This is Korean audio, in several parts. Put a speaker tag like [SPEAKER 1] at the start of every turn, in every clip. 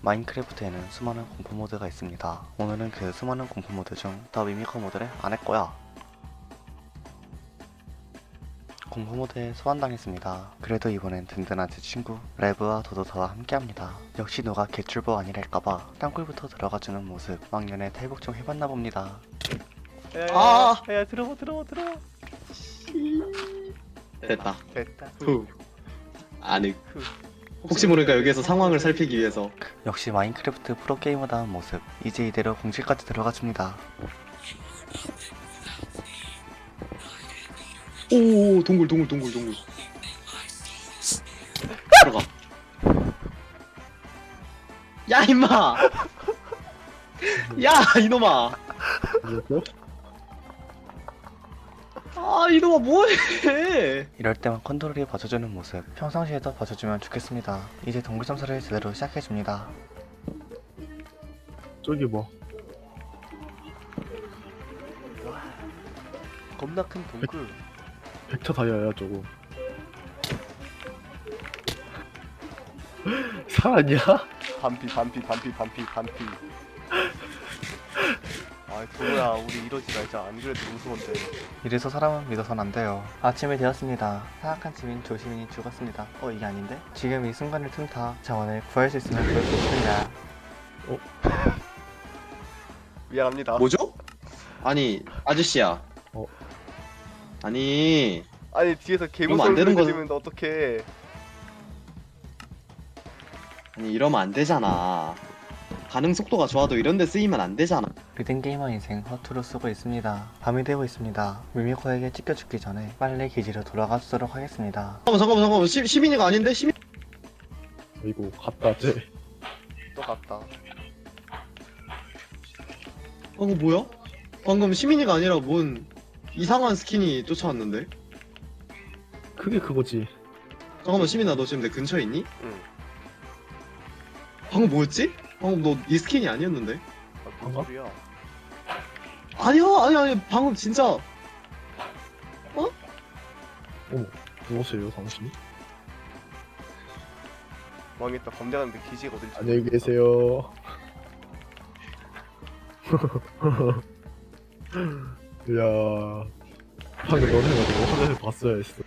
[SPEAKER 1] 마인크래프트에는 수많은 공포 모드가 있습니다. 오늘은 그 수많은 공포 모드 중 더 미미커 모드를 안 했고요. 공포 모드에 소환당했습니다. 그래도 이번엔 든든한 제 친구 레브와 도도사와 함께합니다. 역시 누가 개출보 아니랄까봐 땅굴부터 들어가주는 모습 막년에 탈북 좀 해봤나 봅니다. 야 들어와.
[SPEAKER 2] 됐다.
[SPEAKER 1] 됐다.
[SPEAKER 2] 후. 아늑. 혹시 모르니까 여기에서 상황을 살피기 위해서.
[SPEAKER 1] 역시 마인크래프트 프로게이머다운 모습. 이제 이대로 공실까지 들어가줍니다.
[SPEAKER 2] 오, 동굴. 들어가. 야, 임마! 야, 이놈아! 아, 이놈아, 뭐해!
[SPEAKER 1] 이럴 때만 컨트롤이 봐줘주는 모습 평상시에도 봐줘주면 좋겠습니다. 이제 동굴 점사를 제대로 시작해줍니다.
[SPEAKER 3] 저기 봐.
[SPEAKER 1] 겁나 큰 동굴.
[SPEAKER 3] 벡터 다이아야 저거. 살았냐?
[SPEAKER 1] 반피. 아 도로야 우리 이러지 말자. 안 그래도 무서운데. 이래서 사람은 믿어선 안 돼요. 아침이 되었습니다. 사악한 시민 조시민이 죽었습니다. 이게 아닌데? 지금 이 순간을 틈타 자원을 구할 수 있으면 그럴 수 있습니다. 미안합니다.
[SPEAKER 2] 뭐죠? 아니, 아저씨야. 아니,
[SPEAKER 1] 뒤에서
[SPEAKER 2] 이러면 안 되는 거죠.
[SPEAKER 1] 들리면 어떡해.
[SPEAKER 2] 이러면 안 되잖아. 반응 속도가 좋아도 이런 데 쓰이면 안 되잖아.
[SPEAKER 1] 리듬게이머 인생 허투루 쓰고 있습니다. 밤이 되고 있습니다. 미미코에게 찢겨 죽기 전에 빨리 기지로 돌아가 주도록 하겠습니다.
[SPEAKER 2] 잠깐만. 시민이가 아닌데? 시민?
[SPEAKER 3] 이거 갔다 쟤.
[SPEAKER 1] 또 갔다.
[SPEAKER 2] 방금 뭐야? 방금 시민이가 아니라 뭔 이상한 스킨이 쫓아왔는데?
[SPEAKER 3] 그게 그거지.
[SPEAKER 2] 잠깐만, 시민아, 너 지금 내 근처에 있니?
[SPEAKER 1] 응.
[SPEAKER 2] 방금 뭐였지? 방금 너 이 스킨이 아니었는데?
[SPEAKER 1] 뭔
[SPEAKER 3] 어?
[SPEAKER 1] 소리야?
[SPEAKER 2] 아니, 방금 진짜.
[SPEAKER 3] 누구세요 당신이?
[SPEAKER 1] 망했다. 검색하는데 기지가 어딜지.
[SPEAKER 3] 안녕히 계세요. 야, 방금 너네가 너 화면을 봤어야 했어.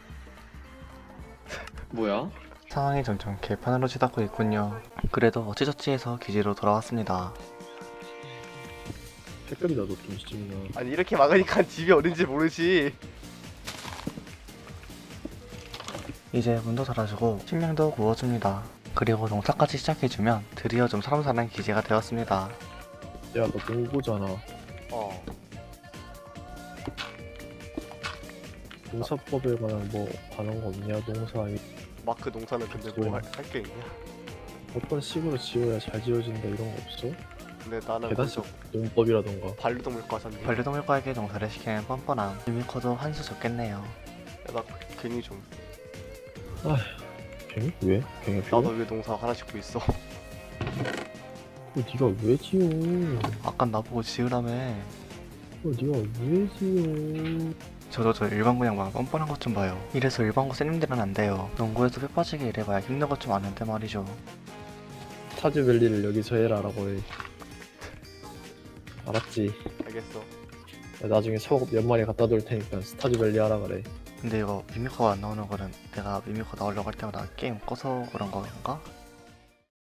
[SPEAKER 2] 뭐야?
[SPEAKER 1] 상황이 점점 개판으로 치닫고 있군요. 그래도 어찌저찌 해서 기지로 돌아왔습니다.
[SPEAKER 3] 댓글이다 너좀 시키면.
[SPEAKER 1] 아니 이렇게 막으니까 집이 어딘지 모르지. 이제 문도 닫아주고 식량도 구워줍니다. 그리고 농사까지 시작해주면 드디어 좀 사람 사는 기지가 되었습니다.
[SPEAKER 3] 야, 너 농부잖아. 농사법에 관한 뭐 관한 거 없냐? 농사
[SPEAKER 1] 마크 농사는 근데 뭐 할 게 있냐?
[SPEAKER 3] 어떤 식으로 지어야 잘 지어진다 이런 거 없어?
[SPEAKER 1] 근데 나는
[SPEAKER 3] 계단식 농법이라던가.
[SPEAKER 1] 반려동물과잖니. 반려동물과에게 농사를 시키는 뻔뻔함. 미미커도 한 수 적겠네요. 야, 나 괜히 좀.
[SPEAKER 3] 갱이? 왜? 갱이 필요?
[SPEAKER 1] 나도 왜 농사 하나 짓고 있어?
[SPEAKER 3] 네가 왜 지어?
[SPEAKER 1] 아까 나보고 지으라며.
[SPEAKER 3] 네가 왜 지어?
[SPEAKER 1] 저 일반고 양반 뻔뻔한 것 좀 봐요. 이래서 일반고 쌤님들은 안 돼요. 농구에서 뼈 빠지게 일해봐야 힘든 것 좀 아는데 말이죠.
[SPEAKER 3] 스타즈밸리를 여기서 해라라고 해. 알았지?
[SPEAKER 1] 알겠어.
[SPEAKER 3] 나중에 속 몇 마리 갖다 둘 테니까 스타즈밸리 하라 그래.
[SPEAKER 1] 근데 이거 미미커가 안 나오는 거는 내가 미미커 나오려고 할 때마다 게임 꺼서 그런 건가?